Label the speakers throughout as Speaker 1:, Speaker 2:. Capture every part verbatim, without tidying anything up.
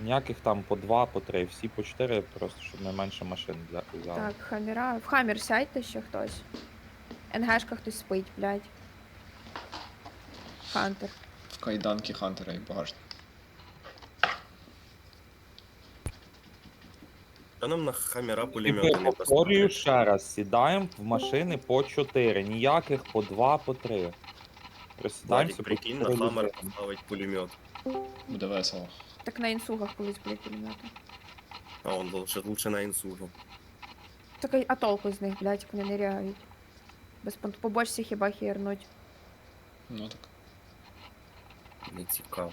Speaker 1: Ніяких там по два, по три, всі по чотири, просто щоб найменше машин взя- взяли.
Speaker 2: Так, хаміра. В хамір сядьте ще хтось. НГшка хтось спить, блядь. Хантер.
Speaker 3: Кайданки Хантера і багажник.
Speaker 4: Та нам на хамера
Speaker 1: І
Speaker 4: пулемети не
Speaker 1: повторюю
Speaker 4: поставлять.
Speaker 1: ще раз, сідаємо в машини по чотири, ніяких по два, по три. Присідаємося
Speaker 4: Владик,
Speaker 1: по
Speaker 4: прикинь, на
Speaker 1: чотири
Speaker 4: хамер
Speaker 1: людини.
Speaker 4: поставить пулемет.
Speaker 3: Буде весело.
Speaker 2: Так на інсугах колись були пулемети.
Speaker 4: А он лучше, лучше на інсугу.
Speaker 2: Так а- а толку з них, блядь, як вони не реагують. Без пон- по бочці хіба хірнуть.
Speaker 3: Ну так.
Speaker 4: Не цікаво.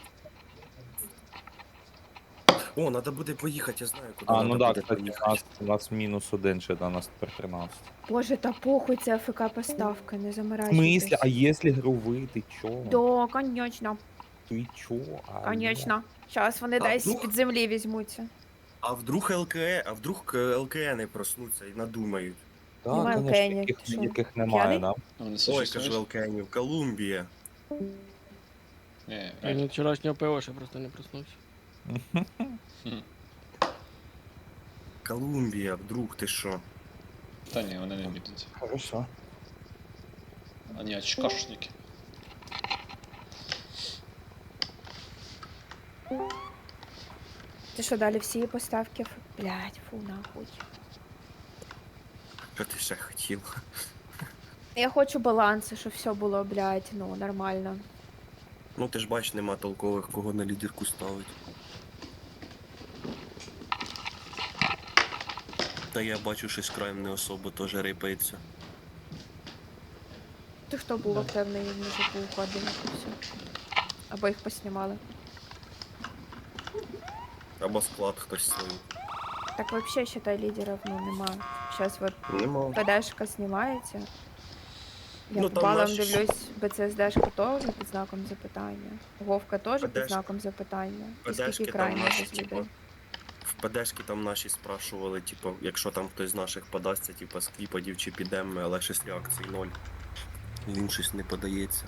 Speaker 4: О, надо буде поїхати, я знаю, куди
Speaker 1: А,
Speaker 4: надо
Speaker 1: ну так,
Speaker 4: буде
Speaker 1: кстати, у
Speaker 4: поїхати.
Speaker 1: нас, у нас мінус один ще, да, у нас тепер тринадцять.
Speaker 2: Боже, та похуй, це АФК поставка, не
Speaker 1: В
Speaker 2: замирайтесь.
Speaker 1: смислі, а якщо гру ти чо?
Speaker 2: Да, конечно,
Speaker 1: Ти чо? А,
Speaker 2: конечно. Зараз вони
Speaker 4: А
Speaker 2: десь
Speaker 4: вдруг?
Speaker 2: під землі візьмуться.
Speaker 4: А вдруг ЛКЕ, а вдруг ЛКНи проснуться і надумають.
Speaker 1: Да,
Speaker 2: Немає
Speaker 1: конечно,
Speaker 2: океанів,
Speaker 1: яких,
Speaker 2: ти що,
Speaker 1: яких немає,
Speaker 2: п'яний?
Speaker 1: да?
Speaker 3: А вони
Speaker 4: Ой,
Speaker 3: существують?
Speaker 4: кажу ЛКНів, Колумбія.
Speaker 3: Ні,
Speaker 5: Я
Speaker 3: реально.
Speaker 5: від вчорашнього пива ще просто не проснувся.
Speaker 3: Хм.
Speaker 4: Колумбія, вдруг ти що?
Speaker 3: Та ні, вони не бідуть.
Speaker 1: Хорошо.
Speaker 3: А ні, очкашники.
Speaker 2: Ти що, далі всі поставки? Ф- Блядь, фу, нахуй.
Speaker 4: Що ти ще хотів?
Speaker 2: Я хочу балансу, щоб все було, блядь, ну, нормально.
Speaker 4: Ну ти ж бач, нема толкових, кого на лідерку ставить. Та я бачу, щось краєм не особо теж рипається.
Speaker 2: Ти хто був активний в мужику уходив і все. Або їх поснімали.
Speaker 4: Або склад хтось свій.
Speaker 2: Так вообще, считай, лідерів, ну, нема. Зараз вот
Speaker 4: Нема.
Speaker 2: ПДшка знімається. Я
Speaker 4: Ну,
Speaker 2: по
Speaker 4: там
Speaker 2: балам
Speaker 4: наші ж-
Speaker 2: дивлюсь, БЦСДшка теж під знаком запитання. Вовка теж під
Speaker 4: ПДшка.
Speaker 2: знаком запитання. І
Speaker 4: ПДшки
Speaker 2: скільки
Speaker 4: там
Speaker 2: крайніх
Speaker 4: наші,
Speaker 2: без
Speaker 4: типу,
Speaker 2: людей.
Speaker 4: В ПДшки там наші спрашували, типу, якщо там хтось з наших подасться, типу, з кліпадів чи підемо, але щось реакцій ноль. Він щось не подається.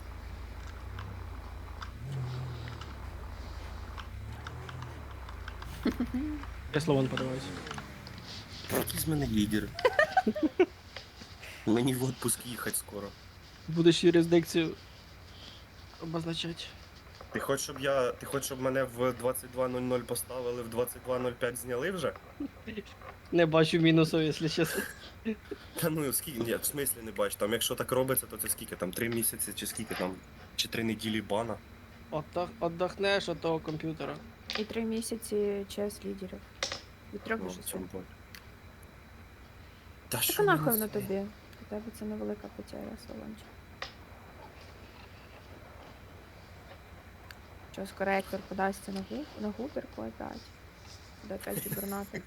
Speaker 5: Я слово не подаваюся.
Speaker 4: Який з мене лідер? Мені в отпуск їхати скоро.
Speaker 5: Будеш юрисдикцію обозначати.
Speaker 4: Ти хочеш, щоб я. Ти хочеш, щоб мене в двадцять два нуль нуль поставили, в двадцять два нуль п'ять зняли вже?
Speaker 5: Не бачу мінусу, якщо чесно.
Speaker 4: Та ну скільки. Ні, в смислі не бачу. Там якщо так робиться, то це скільки там? Три місяці чи скільки там? Чи три неділі бана?
Speaker 5: Отдох, отдохнеш від того комп'ютера.
Speaker 2: І три місяці час лідерів. Від трьох
Speaker 4: Ну,
Speaker 2: до
Speaker 4: в
Speaker 2: шести.
Speaker 4: цьому плані. Та
Speaker 2: Так
Speaker 4: що
Speaker 2: а
Speaker 4: ви
Speaker 2: нахуй воно
Speaker 4: несете?
Speaker 2: тобі? У тебе це невелика потеря, Солончик. Що, скоро Ектор подасться на, гу... на губерку опять? Буде опять губернатор.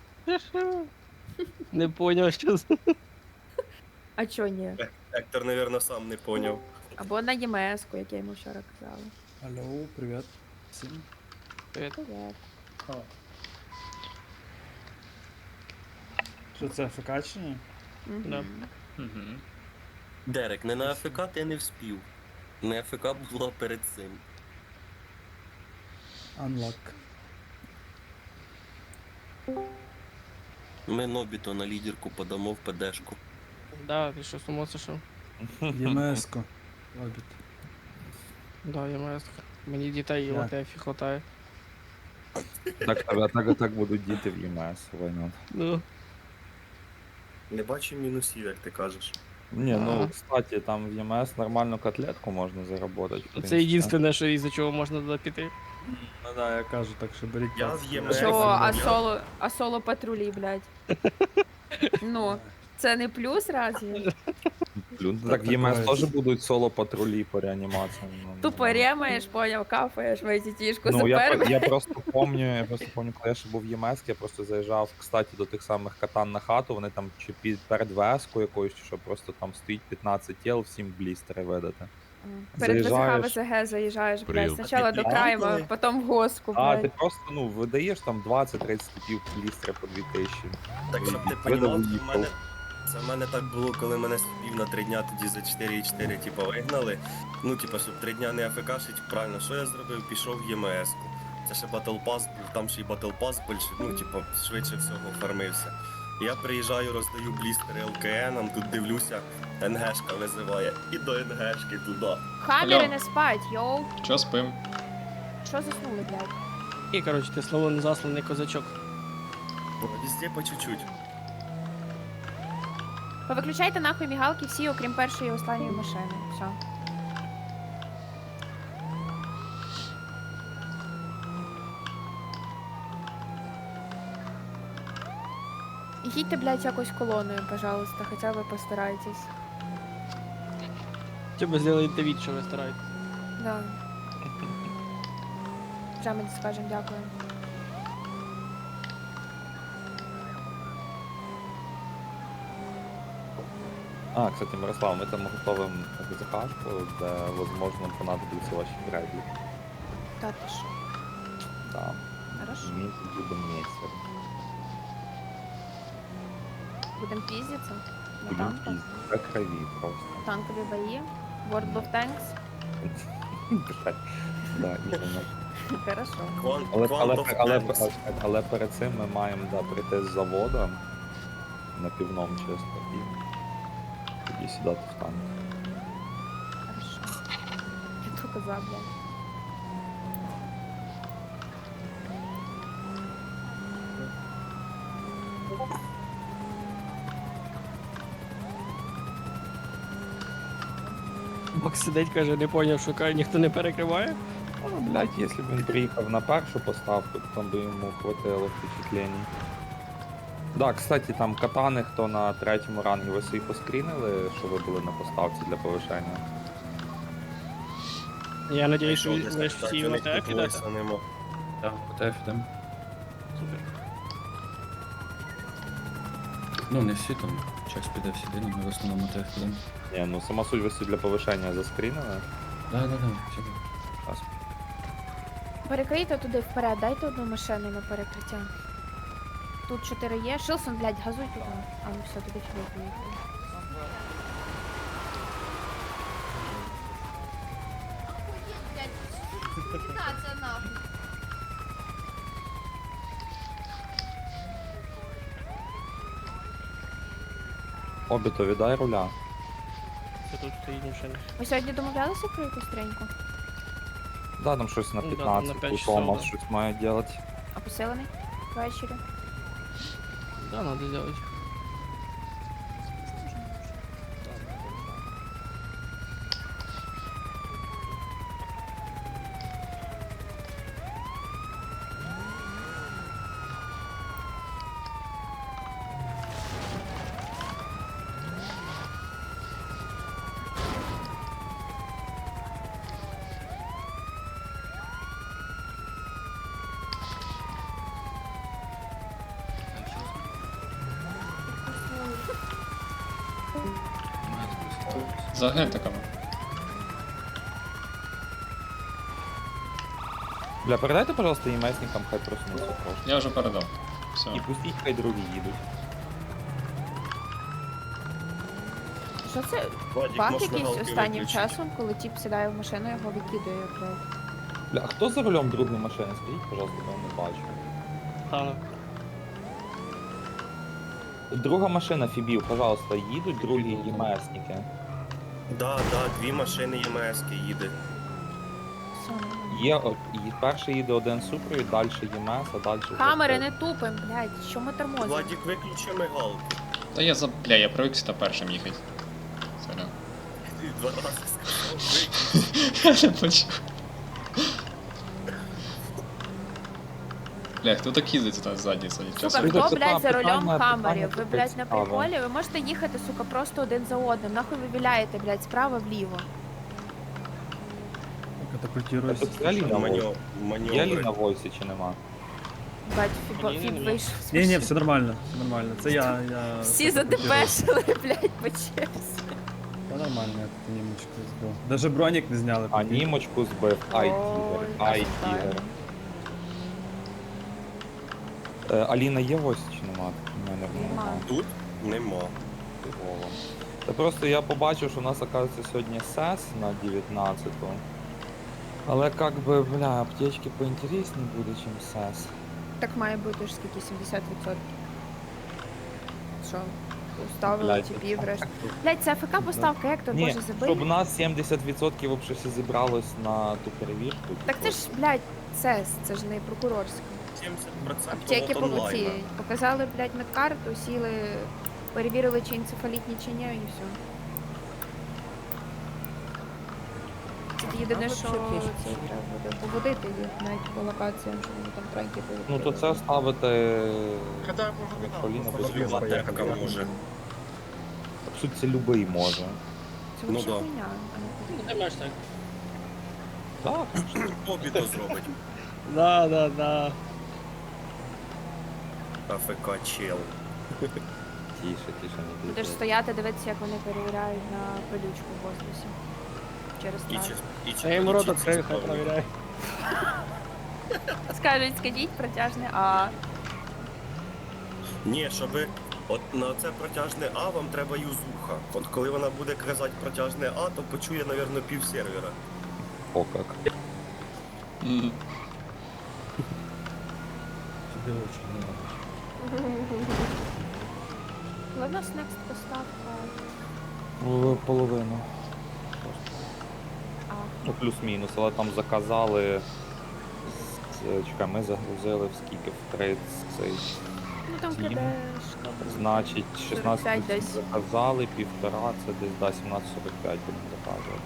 Speaker 5: Не поняв, що з-
Speaker 2: А чо ні?
Speaker 4: Ектор, напевно, сам не поняв.
Speaker 2: Або на ЄМС-ку, як я йому вчора казала.
Speaker 6: Алло, привет. Всем.
Speaker 5: Привіт.
Speaker 2: Привет.
Speaker 6: Що це АФК чи ні?
Speaker 2: Мгм.
Speaker 5: Да.
Speaker 3: Угу.
Speaker 4: Дерек, не на АФК ти не вспів. Не АФК було перед цим.
Speaker 6: Unlock.
Speaker 4: Ми Нобіто на лідерку подамо в ПДшку.
Speaker 5: Да, ти що, сумо сошов?
Speaker 6: ЄМС-ку. Робить.
Speaker 5: Да, я маю. Мені дітей
Speaker 6: Так.
Speaker 5: в АТФ хватає.
Speaker 1: Так, так, так, так будуть діти в ЄМС, война.
Speaker 5: Ну,
Speaker 4: Не бачу мінусів, як ти кажеш.
Speaker 1: Ні, ну,
Speaker 5: Ага.
Speaker 1: кстати, там в ЄМС нормальну котлетку можна заработать. в
Speaker 5: це
Speaker 1: принципі.
Speaker 5: єдине, що із-за чого можна туди піти.
Speaker 6: Ну да, я кажу, так що беріть
Speaker 4: Я
Speaker 6: пацки.
Speaker 4: в ЄМС.
Speaker 2: Що,
Speaker 4: Я-
Speaker 2: а соло, а соло патрулі, блядь. Ну, це не плюс разве?
Speaker 1: Блін,
Speaker 6: Так
Speaker 1: Так в ЄМС
Speaker 6: такое.
Speaker 1: теж будуть соло-патрулі по реанімації. ну,
Speaker 2: Тупо
Speaker 1: ну.
Speaker 2: ремаєш, поняв, кафаєш, везітішку
Speaker 1: Ну, я,
Speaker 2: супер.
Speaker 1: я просто помню, я просто помню, коли я ще був в ЄМС, я просто заїжджав, кстати, до тих самих катан на хату, вони там чи під перед ВС-кою якоюсь, чи що просто там стоїть п'ятнадцять тіл, всім блістери видати.
Speaker 2: Перед ВЗХ
Speaker 1: Заїжджаєш.
Speaker 2: ВЗГ заїжджаєш, блядь,
Speaker 1: Прил.
Speaker 2: спочатку
Speaker 4: А
Speaker 2: до
Speaker 4: ти
Speaker 2: крайма,
Speaker 4: бачили?
Speaker 2: потім в госку,
Speaker 1: А, ти
Speaker 2: блядь.
Speaker 1: просто, ну, видаєш там двадцять-тридцять типів блістери по дві тисячі.
Speaker 4: Так, щоб ти
Speaker 1: Видав,
Speaker 4: понімав, це в
Speaker 1: уїхав.
Speaker 4: мене, це в мене так було, коли мене спів на три дня тоді за чотири і чотири, типу, вигнали. Ну, типу, щоб три дня не АФКшить, правильно, що я зробив? Пішов в ЄМС-ку. Це ще Battle Pass був, там ще й Battle Pass більше, ну, типу, швидше всього фармився. Я приїжджаю, роздаю блістери ел ка ен, тут дивлюся, НГшка визиває. І до НГшки туди.
Speaker 2: Хаммери
Speaker 3: Алло.
Speaker 2: не спать, йоу.
Speaker 3: Чо спим?
Speaker 2: Що заснули, блядь?
Speaker 5: І, коротше, ти слово незасланий козачок.
Speaker 4: Везде по чуть-чуть.
Speaker 2: Повиключайте нахуй мігалки всі, окрім першої і останньої машини. Все. І їдьте, блядь, якось колоною, пожалуйста, хоча б постарайтесь.
Speaker 5: Чи ви зробите від, що ви стараєтесь?
Speaker 2: Да. Вже ми скажемо дякую.
Speaker 1: А, кстати, Мирослав, ми там готовим закашку, де, возможно, понадобляться ваші греблі.
Speaker 2: Та ти що?
Speaker 1: Да.
Speaker 2: Хорошо.
Speaker 1: Ми будемо місяць.
Speaker 2: Будемо піздитися? На
Speaker 1: Будемо
Speaker 2: танку?
Speaker 1: піздити. До крові просто.
Speaker 2: Танкові бої? World of Tanks?
Speaker 1: Блядь. Да, іменно.
Speaker 2: Хорошо.
Speaker 4: Квант,
Speaker 1: Але, але,
Speaker 4: Quant of
Speaker 1: але,
Speaker 4: Tanks.
Speaker 1: але, але перед цим ми маємо да, прийти з заводу на півном чисто і тоді сідати в танк.
Speaker 2: Хорошо. Я то казав, блядь.
Speaker 5: Макс сидить, каже, не поняв, що каже, ніхто не перекриває.
Speaker 1: Ну, блядь, якщо б він приїхав на першу поставку, то там би йому хватило впечатлень. Да, кстати, там катани, хто на третьому рангі, ви собі поскрінили, що ви були на поставці для повишення?
Speaker 5: Я надіюсь, що
Speaker 4: Якщо
Speaker 5: ви
Speaker 4: десь
Speaker 5: ж
Speaker 4: так,
Speaker 5: всі
Speaker 4: у
Speaker 5: на
Speaker 4: них
Speaker 5: ТФ
Speaker 4: тут
Speaker 5: ідете.
Speaker 4: войса нема.
Speaker 6: Так, по ТФ йдемо.
Speaker 5: Супер.
Speaker 7: Ну, не всі там, час піде всі день, ми в основному ТФ підемо.
Speaker 1: Ні, ну сама суть ви собі для повишення заскрінили.
Speaker 7: Да, да, да, всі.
Speaker 1: Раз.
Speaker 2: Перекрийте туди вперед, дайте одну машину на перекриття. Тут чотири є. Шилсон, блядь, газуй туди. А, ну все, туди фіг поїхали.
Speaker 1: Обіто, віддай руля.
Speaker 5: Що тут стоїть машина?
Speaker 2: Ви сьогодні домовлялися про якусь треньку?
Speaker 1: Да, там щось на
Speaker 5: Ну, да,
Speaker 1: п'ятнадцять,
Speaker 5: на п'ять
Speaker 1: у
Speaker 5: часов,
Speaker 1: Томас
Speaker 5: да.
Speaker 1: щось має делать.
Speaker 2: А посилений? Ввечері?
Speaker 5: Да, надо сделать.
Speaker 3: За гентиками.
Speaker 1: Бля, передайте, пожалуйста, імесникам, хай проснуться трошки.
Speaker 3: Я вже передав. Все.
Speaker 1: І пустіть, хай другі їдуть.
Speaker 2: Що це?
Speaker 4: Владик,
Speaker 2: Баг
Speaker 4: можеш
Speaker 2: якийсь
Speaker 4: мигалки
Speaker 2: останнім
Speaker 4: виключити?
Speaker 2: часом, коли тіп сідає в машину, його викидає, блядь.
Speaker 1: Бля, а хто за рулем другої машини? Скажіть, пожалуйста, бо я не бачу.
Speaker 5: Танок.
Speaker 1: Друга машина Фібів, пожалуйста, їдуть другі імесники.
Speaker 4: Да, да, дві машини ЄМСки їде.
Speaker 2: Все.
Speaker 1: Є, о, і перший їде один супровід, далі ЄМС, а далі... вже
Speaker 2: Камери
Speaker 1: хто.
Speaker 2: не тупим, блядь, що ми тормозимо?
Speaker 4: Владик, виключи мигалки.
Speaker 3: Та я за. Бля, я привик сюди першим їхати. Сорян.
Speaker 4: Ти два рази сказав, виключи.
Speaker 3: Я не почув. Бля, хто так їздить тут ззаді сидить?
Speaker 2: Сука,
Speaker 3: Часом.
Speaker 1: Люди,
Speaker 2: хто,
Speaker 1: це
Speaker 2: блядь, за
Speaker 1: питання-
Speaker 2: рулем
Speaker 1: питання
Speaker 2: камерів? Ви,
Speaker 1: таке
Speaker 2: блядь, на
Speaker 1: цікаве.
Speaker 2: приколі? Ви можете їхати, сука, просто один за одним. Нахуй ви віляєте, блядь, справа вліво.
Speaker 6: Катапультируйся.
Speaker 1: Це Аліна
Speaker 4: Маньо-
Speaker 1: Войс. Є Аліна
Speaker 4: Маневри.
Speaker 1: в Войсі чи нема?
Speaker 2: Блядь, фібо,
Speaker 5: Ні, ні,
Speaker 2: фіб
Speaker 5: ні.
Speaker 2: вийшов. з
Speaker 6: Ні, ні,
Speaker 2: машини.
Speaker 6: все нормально, все нормально. Це я, я...
Speaker 2: Всі задепешили, блядь, по черзі.
Speaker 6: Та нормально, я тут німочку збив. Даже бронік не зняли.
Speaker 1: А
Speaker 6: прикинь.
Speaker 1: німочку збив. Ай, тігер,
Speaker 2: Ой,
Speaker 1: ай,
Speaker 2: красота.
Speaker 1: тігер. Е, Аліна є в Войсі чи нема? У мене
Speaker 2: Нема.
Speaker 4: Тут нема.
Speaker 1: Фігово. Та просто я побачив, що у нас, оказується, сьогодні сес на дев'ятнадцяту. Але как би, бля, аптечки поінтереснее буде, чим сес.
Speaker 2: Так має бути ж скільки сімдесят відсотків. Що? Уставили
Speaker 1: Блядь,
Speaker 2: типів решт. Блять, це АФК поставка, як то
Speaker 1: Ні,
Speaker 2: може забити?
Speaker 1: щоб у нас сімдесят відсотків вообще всі зібралось на ту перевірку.
Speaker 2: Так це ж, блядь, ЦЕС, це ж не прокурорська.
Speaker 4: сімдесят відсотків
Speaker 2: Аптеки
Speaker 4: от
Speaker 2: по
Speaker 4: онлайна.
Speaker 2: ці показали, блядь, медкарту, сіли, перевірили, чи енцефалітні, чи ні, і все. Це єдине, що це треба буде поводити їх навіть по локаціям, що вони там транки
Speaker 1: Ну то це ставити
Speaker 8: Хотя я можу не
Speaker 1: Поліна
Speaker 8: знати,
Speaker 1: без
Speaker 8: просто
Speaker 4: Люба
Speaker 8: поїхали.
Speaker 4: тепка може.
Speaker 1: По суті, це любий може.
Speaker 2: Це
Speaker 4: Ну
Speaker 2: вообще
Speaker 4: да.
Speaker 2: хуйня, а не
Speaker 5: Ну
Speaker 2: хуйня.
Speaker 5: ти маєш так.
Speaker 1: Так,
Speaker 4: Хобі то зробить.
Speaker 5: Да, да, да.
Speaker 4: АФК чел.
Speaker 1: тише, тише, не
Speaker 2: Будеш стояти, дивитися, як вони перевіряють на пилючку в воздусі. Через
Speaker 4: І
Speaker 2: так.
Speaker 4: чи, і чи
Speaker 5: Я їм рот
Speaker 4: полічиться
Speaker 5: відкрию, хай
Speaker 4: справді.
Speaker 5: провіряє.
Speaker 2: Скажуть, скажіть протяжне А.
Speaker 4: Ні, щоби от на це протяжне А вам треба юзуха. От коли вона буде казати протяжне А, то почує, напевно, пів сервера.
Speaker 1: О, как.
Speaker 3: Мгм.
Speaker 7: Сюди очі не робиш.
Speaker 2: Але в нас next поставка
Speaker 1: Ну, половину.
Speaker 2: А.
Speaker 1: Ну, плюс-мінус, але там заказали. з- Чекай, ми загрузили в скільки в тридцять.
Speaker 2: Ну там
Speaker 1: Сім.
Speaker 2: кидешка.
Speaker 1: Значить, шістнадцять
Speaker 2: сорок п'ять десь.
Speaker 1: заказали, півтора, це десь да, сімнадцять сорок п'ять будемо заказувати.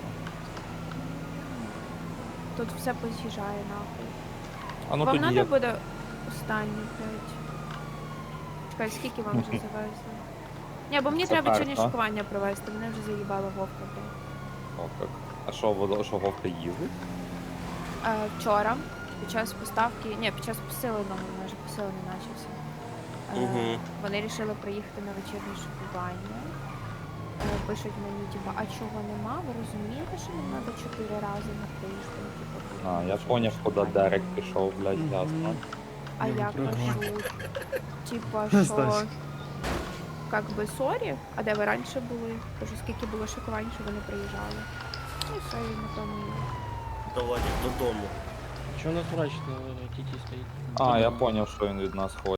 Speaker 2: Тут все поз'їжджає нахуй.
Speaker 1: А ну
Speaker 2: Вам
Speaker 1: тоді
Speaker 2: треба
Speaker 1: я...
Speaker 2: буде останній, блядь. Чекай, скільки вам вже завезли? Ні, бо мені
Speaker 1: Це
Speaker 2: треба
Speaker 1: перша.
Speaker 2: сьогодні шокування провести, мене вже заїбала вовка, блядь.
Speaker 1: О, как. А що, воно- що Вовка їздить?
Speaker 2: Е, вчора, під час поставки, ні, під час посиленого, майже посилений начався. Е,
Speaker 4: Мгм.
Speaker 2: Вони вирішили приїхати на вечірнє шокування. Е, пишуть мені, типу, а чого нема? Ви розумієте, що нам треба чотири рази на тиждень? Типу,
Speaker 1: А, я
Speaker 2: щоб
Speaker 1: поняв, куди
Speaker 2: шокування
Speaker 1: Дерек
Speaker 2: було.
Speaker 1: пішов, блядь,
Speaker 5: Мгм.
Speaker 1: ясно.
Speaker 2: А
Speaker 6: Ну,
Speaker 2: як
Speaker 6: прикольно.
Speaker 2: кажуть? Типа, що
Speaker 6: Стась.
Speaker 2: как би сорі, а де ви раніше були? Кажу, скільки було шокувань, що вони приїжджали. Ну і все, і на тому.
Speaker 4: Та Владик, додому.
Speaker 5: Чого у нас врач на тіті стоїть?
Speaker 1: А, я поняв, що він від нас хоче.